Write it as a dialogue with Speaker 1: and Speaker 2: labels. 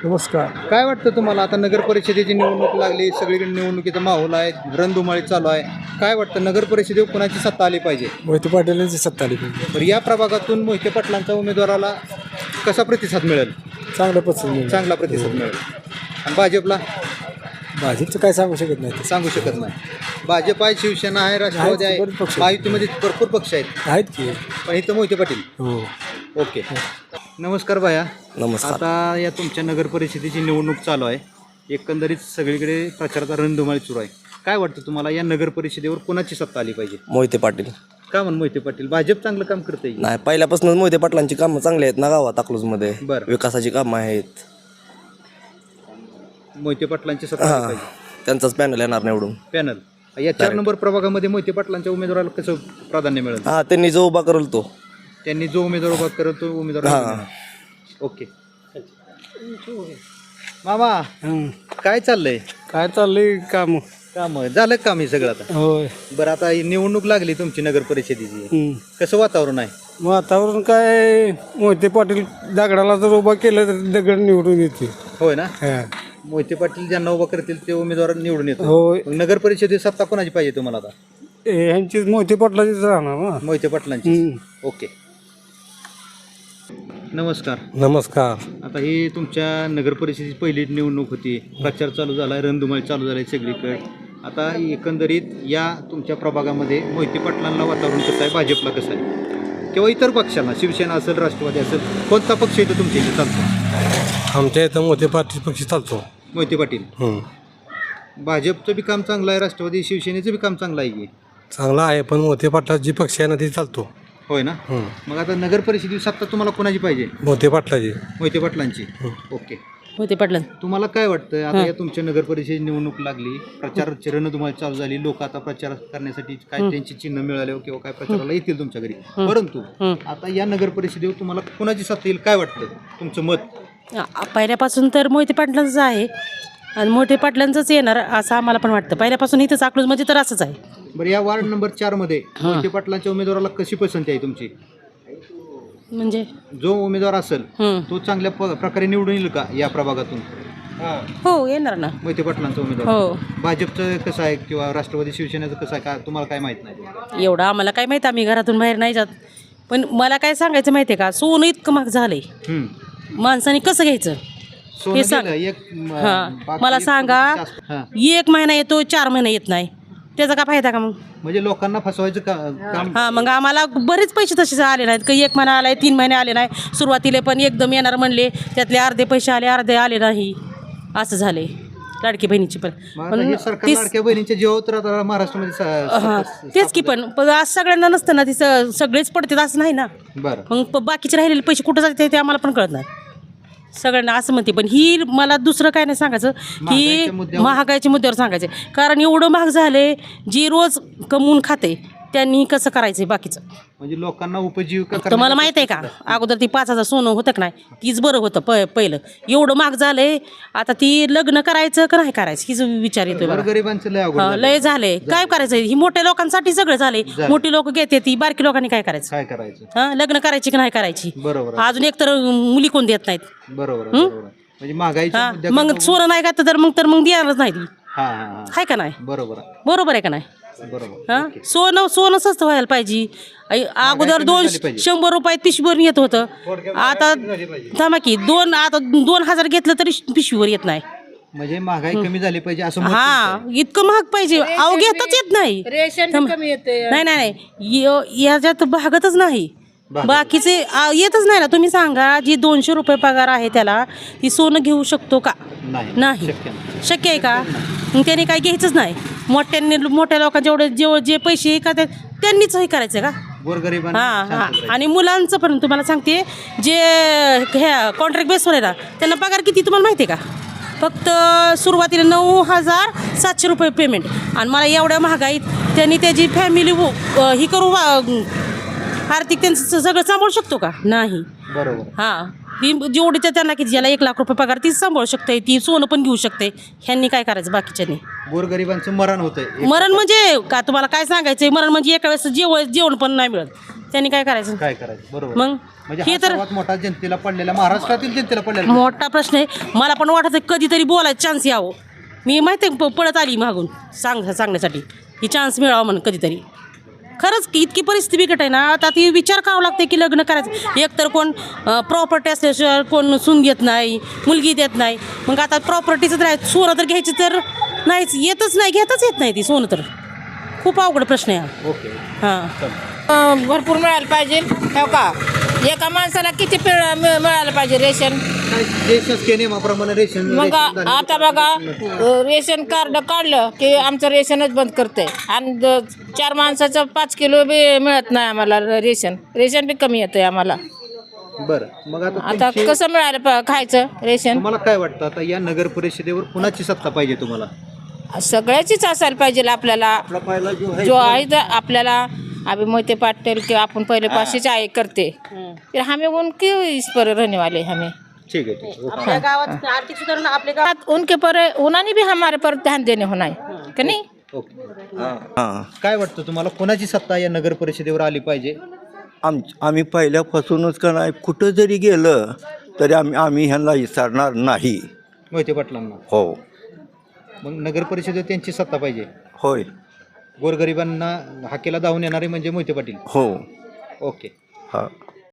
Speaker 1: नमस्कार.
Speaker 2: काय वाटतं तुम्हाला आता नगर परिषदेची निवडणूक लागली, सगळीकडे निवडणुकीचा माहोल आहे, रणधुमाळी चालू आहे. काय वाटतं नगर परिषदेवर कोणाची सत्ता आली पाहिजे?
Speaker 1: मोहिते पाटलांची सत्ता आली पाहिजे.
Speaker 2: तर या प्रभागातून मोहिते पाटलांच्या उमेदवाराला कसा प्रतिसाद मिळेल?
Speaker 1: चांगलं पसंत.
Speaker 2: चांगला प्रतिसाद मिळेल. आणि भाजपला
Speaker 1: भाजपचं काय सांगू शकत नाही.
Speaker 2: सांगू शकत नाही. भाजप आहे, शिवसेना आहे, राष्ट्रवादी आहे,
Speaker 1: बरेच पक्ष आहेत.
Speaker 2: महायुतीमध्ये भरपूर पक्ष आहेत,
Speaker 1: की
Speaker 2: पण इथं मोहिते पाटील.
Speaker 1: हो.
Speaker 2: ओके. नमस्कार भाया.
Speaker 3: नमस्कार.
Speaker 2: आता या तुमच्या नगर परिषदेची निवडणूक चालू आहे. एकंदरीत सगळीकडे प्रचाराचा रणधुमाळी सुरू आहे. काय वाटतं तुम्हाला या नगर परिषदेवर कोणाची सत्ता आली पाहिजे?
Speaker 3: मोहिते पाटील.
Speaker 2: का म्हणून मोहिते पाटील? भाजप चांगलं काम करते.
Speaker 3: नाही, पहिल्यापासूनच मोहिते पाटलांची कामं चांगली आहेत ना गावात अकलूजमध्ये.
Speaker 2: बरं.
Speaker 3: विकासाची कामं आहेत.
Speaker 2: मोहिते पाटलांची सत्ता आली पाहिजे.
Speaker 3: त्यांचाच पॅनल येणार निवडून.
Speaker 2: पॅनल या 4 नंबर प्रभागामध्ये मोहिते पाटलांच्या उमेदवाराला कसं प्राधान्य मिळेल?
Speaker 3: त्यांनी जो उभा करल तो.
Speaker 2: त्यांनी जो उमेदवार उभा करत तो उमेदवार. ओके. मामा काय चाललंय?
Speaker 1: काय चाललंय काम?
Speaker 2: काम झालं काम हे सगळं आता?
Speaker 1: होय.
Speaker 2: बरं, आता ही निवडणूक लागली तुमची नगर परिषदेची, कसं वातावरण आहे?
Speaker 1: वातावरण काय, मोहिते पाटील दगडाला जर उभा केलं तर दगड निवडून येते.
Speaker 2: होय ना. मोहिते पाटील ज्यांना उभा करतील ते उमेदवार निवडून येतो.
Speaker 1: होय.
Speaker 2: मग नगर परिषदेची सत्ता कोणाची पाहिजे तुम्हाला आता?
Speaker 1: ह्यांची मोहिते पाटलाचीच राहणार ना.
Speaker 2: मोहिते पाटलांची. ओके. नमस्कार.
Speaker 1: नमस्कार.
Speaker 2: आता ही तुमच्या नगर परिषदेची पहिली निवडणूक होती, प्रचार चालू झाला, रणधुमाळी चालू झाली सगळीकडे. आता एकंदरीत या तुमच्या प्रभागामध्ये मोहिते पाटलांना वातावरण कसं आहे, भाजपला कसं आहे, किंवा इतर पक्षांना, शिवसेना असेल, राष्ट्रवादी असेल, कोणता पक्ष इथं तुमच्या इथे चालतो?
Speaker 1: आमच्या इथं मोहिते पाटील पक्ष चालतो.
Speaker 2: मोहिते पाटील. भाजपचं बी काम चांगलं आहे, राष्ट्रवादी शिवसेनेचं बी काम चांगलं आहे की?
Speaker 1: चांगला आहे, पण मोहिते पाटला जी पक्ष आहे ना ती चालतो.
Speaker 2: होय ना. मग आता नगर परिषदेची सत्ता तुम्हाला कोणाची पाहिजे?
Speaker 1: मोहिते पाटलाची.
Speaker 2: मोहिते पाटलांची. ओके.
Speaker 4: मोहिते पाटलां.
Speaker 2: तुम्हाला काय वाटतं आता या तुमच्या नगर परिषदेची निवडणूक लागली, प्रचाराची रणधुमाळी चालू झाली, लोक आता प्रचार करण्यासाठी काय त्यांची चिन्ह मिळाले किंवा काय प्रचाराला येतील तुमच्या घरी, परंतु आता या नगर परिषदेवर तुम्हाला कोणाची सत्ता येईल काय वाटतं, तुमचं मत?
Speaker 4: पहिल्यापासून तर मोहिते पाटलांचंच आहे आणि मोहिते पाटलांचंच येणार असं आम्हाला पण वाटतं. पहिल्यापासून इथंच अकलूजमध्ये तर असंच आहे.
Speaker 2: बरं, या वार्ड नंबर 4 मध्ये मोहिते पाटलांच्या उमेदवाराला कशी पसंती आहे तुमची?
Speaker 4: म्हणजे
Speaker 2: जो उमेदवार असेल तो चांगल्या प्रकारे निवडून येईल का या प्रभागातून?
Speaker 4: हो, येणार ना
Speaker 2: मोहिते पाटलांचा उमेदवार.
Speaker 4: हो.
Speaker 2: भाजपचं कसं आहे किंवा राष्ट्रवादी शिवसेनेचं कसं आहे का तुम्हाला काय माहित नाही?
Speaker 4: एवढं आम्हाला काय माहिती, आम्ही घरातून बाहेर नाही जात. पण मला काय सांगायचं माहिती आहे का, सोनं इतकं महाग झालंय, माणसाने कसं घ्यायचं हे सांग. मला सांगा, 1 महिना येतो, 4 महिना येत नाही, त्याचा काय फायदा का? मग
Speaker 2: म्हणजे लोकांना फसवायचं काम.
Speaker 4: मग आम्हाला बरेच पैसे तसे आले नाहीत का, 1 महिना आलाय, 3 महिने आले नाही. सुरुवातीला पण एकदम येणार म्हणले, त्यातले अर्धे पैसे आले, अर्धे आले नाही, असं झाले. लाडकी बहिणीची पण
Speaker 2: सरकार लाडक्या बहिणीच्या जीवावर तर आता महाराष्ट्रामध्ये
Speaker 4: तेच की, पण आज सगळ्यांना नसतं ना, ती सगळेच पडतात असं नाही ना.
Speaker 2: बरं.
Speaker 4: मग बाकीचे राहिलेले पैसे कुठं जाते ते आम्हाला पण कळत नाही. सगळ्यांना असं म्हणते, पण ही मला दुसरं काय नाही सांगायचं, की महागाईच्या मुद्द्यावर सांगायचं. कारण एवढं महाग झाले, जी रोज कमवून खाते त्यांनी कसं करायचं बाकीचं.
Speaker 2: म्हणजे लोकांना उपजीविका.
Speaker 4: तुम्हाला माहित आहे का, अगोदर ती 5,000 सोनं होतं का नाही, तीच बरं होतं पहिलं. एवढं महाग झालंय, आता ती लग्न करायचं का नाही करायचं हीच विचार येतोय.
Speaker 2: गरिबांचं लय अवघड
Speaker 4: लय झालंय, काय करायचं? ही मोठ्या लोकांसाठी सगळं झालंय. मोठी लोक घेते ती, बारकी लोकांनी काय करायचं?
Speaker 2: काय करायचं?
Speaker 4: लग्न करायची की नाही करायची?
Speaker 2: बरोबर.
Speaker 4: अजून एक तर मुली कोण देत नाहीत.
Speaker 2: बरोबर. म्हणजे महागाई.
Speaker 4: मग सोनं नाही का तर मग देणारच नाही ती. हाय का नाही?
Speaker 2: बरोबर.
Speaker 4: बरोबर आहे का नाही?
Speaker 2: बरोबर.
Speaker 4: सोनं स्वस्त व्हायला पाहिजे. अगोदर 100 रुपयात पिशवीवर येत होतं, आता थांबा की 2,000 घेतलं तरी पिशवीवर येत नाही.
Speaker 2: म्हणजे महागाई कमी झाली पाहिजे असं.
Speaker 4: इतकं महाग पाहिजे, अहो घेताच येत नाही. नाही याच्यात भागतच नाही, बाकीचे येतच नाही ना. तुम्ही सांगा, जी 200 रुपये पगार आहे त्याला ती सोनं घेऊ शकतो का? नाही. शक्य आहे का? त्याने काय घ्यायचंच नाही. मोठ्या लोकांच्या जे पैसे का त्यांनीच हे करायचं का? आणि मुलांचं पण तुम्हाला सांगते, जे ह्या कॉन्ट्रॅक्ट बेसवर आहे ना, त्यांना पगार किती तुम्हाला माहिती आहे का? फक्त सुरुवातीला 9,700 रुपये पेमेंट. आणि मला एवढ्या महागाईत त्यांनी त्याची फॅमिली ही करू, आर्थिक त्यांचं सगळं सांभाळू शकतो का? नाही.
Speaker 2: बरोबर.
Speaker 4: ती जेवढी त्यांना की ज्याला 1 लाख रुपये पगार ती सांभाळू शकते, ती सोनं पण घेऊ शकते. ह्यांनी काय करायचं बाकीच्यानी?
Speaker 2: गोरगरिबांचं मरण होतंय.
Speaker 4: मरण म्हणजे का तुम्हाला काय सांगायचं? मरण म्हणजे एका वेळेस जेवण पण नाही मिळत. त्यांनी काय करायचं
Speaker 2: काय करायचं बरोबर
Speaker 4: मग
Speaker 2: म्हणजे
Speaker 4: हे
Speaker 2: हा
Speaker 4: तर
Speaker 2: सर्वात मोठा जनतेला पडलेला महाराष्ट्रातील जनतेला पडलेला
Speaker 4: मोठा प्रश्न आहे. मला पण वाटत कधीतरी बोलायचं चान्स यावं. मी माहिती आहे पळत आली मागून सांगण्यासाठी ही चान्स मिळावा म्हणून कधीतरी. खरंच की इतकी परिस्थिती बिकट आहे ना, आता ती विचार करावा लागते की लग्न करायचं. एक तर कोण प्रॉपर्टी असल्याशिवाय कोण सून घेत नाही, मुलगी देत नाही. मग आता प्रॉपर्टीचं तर सोनं तर घ्यायची तर नाहीच, येतच नाही, घेताच येत नाही ती सोनं. तर खूप अवघड प्रश्न आहे हा.
Speaker 2: ओके
Speaker 4: हां
Speaker 5: भरपूर मिळायला पाहिजे हो का. एका माणसाला किती मिळालं पाहिजे रेशन.
Speaker 2: जे शासकीय नियमाप्रमाणे रेशन
Speaker 5: मग आता बघा रेशन कार्ड काढलं की आमचं रेशनच बंद करते आणि 4 माणसाचं 5 किलो बी मिळत नाही आम्हाला. रेशन बी कमी येतं आम्हाला.
Speaker 2: बरं मग
Speaker 5: आता कसं मिळालं खायचं रेशन.
Speaker 2: तुम्हाला काय वाटतं आता या नगर परिषदेवर कुणाची सत्ता पाहिजे तुम्हाला?
Speaker 5: सगळ्याचीच असायला पाहिजे आपल्याला. जो आहे तर आपल्याला अभी मोहिते पाटील कि अपन पहले पास आए करते फिर हमें उनके इस पर रहने वाले हमें.
Speaker 2: ठीक आहे ठीक आहे.
Speaker 4: आपल्या गावात आर्थिक सुधारणा आपल्या गावात
Speaker 5: उनके पर उन्होंने भी हमारे पर ध्यान देने होना है कि नहीं.
Speaker 2: ओके
Speaker 3: हां
Speaker 2: काय वाटतं तुम्हाला कोणाची सत्ता या नगर परिषदेवर आली पाहिजे?
Speaker 6: आम्ही पहिल्यापासूनच का नाही कुठं जरी गेलं तरी आम्ही ह्यांना विचारणार नाही.
Speaker 2: मोहिते पाटलांना.
Speaker 6: हो
Speaker 2: मग नगर परिषदेवर त्यांची सत्ता पाहिजे.
Speaker 6: होय
Speaker 2: गोरगरिबांना हाकेला धावून येणारे म्हणजे मोहिते पाटील.
Speaker 6: हो
Speaker 2: ओके
Speaker 6: हां